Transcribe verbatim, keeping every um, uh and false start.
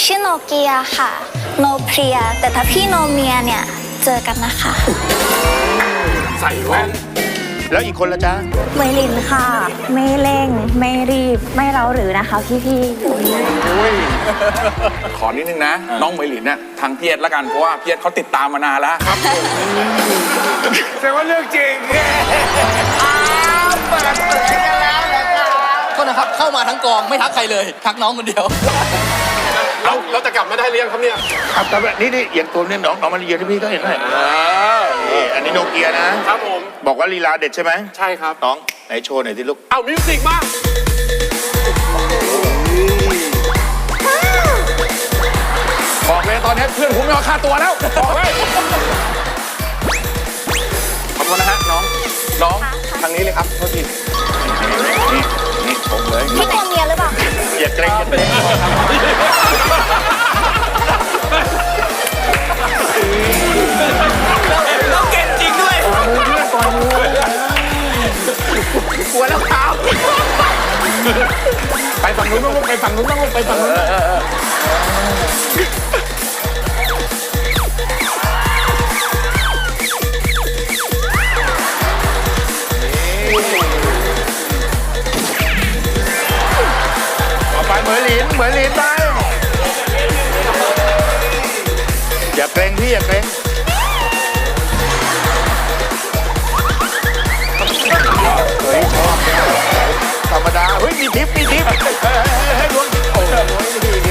ชื่อโนเกียค่ะโนเพรียแต่ถ้าพี่โนเมียเนี่ยเจอกันนะคะใส่แว่นแล้วอีกคนละจ๊ะไมลินค่ะไม่เร่งไม่รีบไม่เร้าหรือนะคะพี่พี่ขอนิดนึงนะ น้องเหมยหลินเนี่ยทางเพียรละกันเพราะว่าเพียรเขาติดตามมานานแล้วครับแสดงว่าเรื่องจริงอ้าวเปิดเผยกันแล้วนะครับก็นะครับเข้ามาทั้งกองไม่ทักใครเลยทักน้องคนเดียวเราเราจะกลับมาได้หรือยังครับเนี่ยครับแต่นี่นี่อย่างตัวเนี่ยน้องน้องมาเรียนที่พี่ก็เห็นไหมนี่อันนี้โนเกียนะครับผมบอกว่าลีลาเด็ดใช่ไหมใช่ครับน้องไหนโชว์หน่อยที่ลูกเอามิวสิกมาบอกเลยตอนนี้เพื่อนผมไม่เอาค่าตัวแล้วบอกเลยขอบคุณนะฮะน้องน้องทางนี้เลยครับโทษทีนี่นี่ผมเลยพี่โนเมียหรือเปล่าอย่าเกรงอย่าเกรงน้องเก่งจริงด้วยกลัวแล้วครับไปฝั่งนู้นต้องไปฝั่งนู้นต้องไปฝั่งนู้นต่อไปเหมือนหลินเหมือนหลินไปอย่าเกรงพี่อย่าเกรงเฮ้ยชอบธรรมดาเฮ้ยมีทิปมีทิปให้ล้วงโอ้โห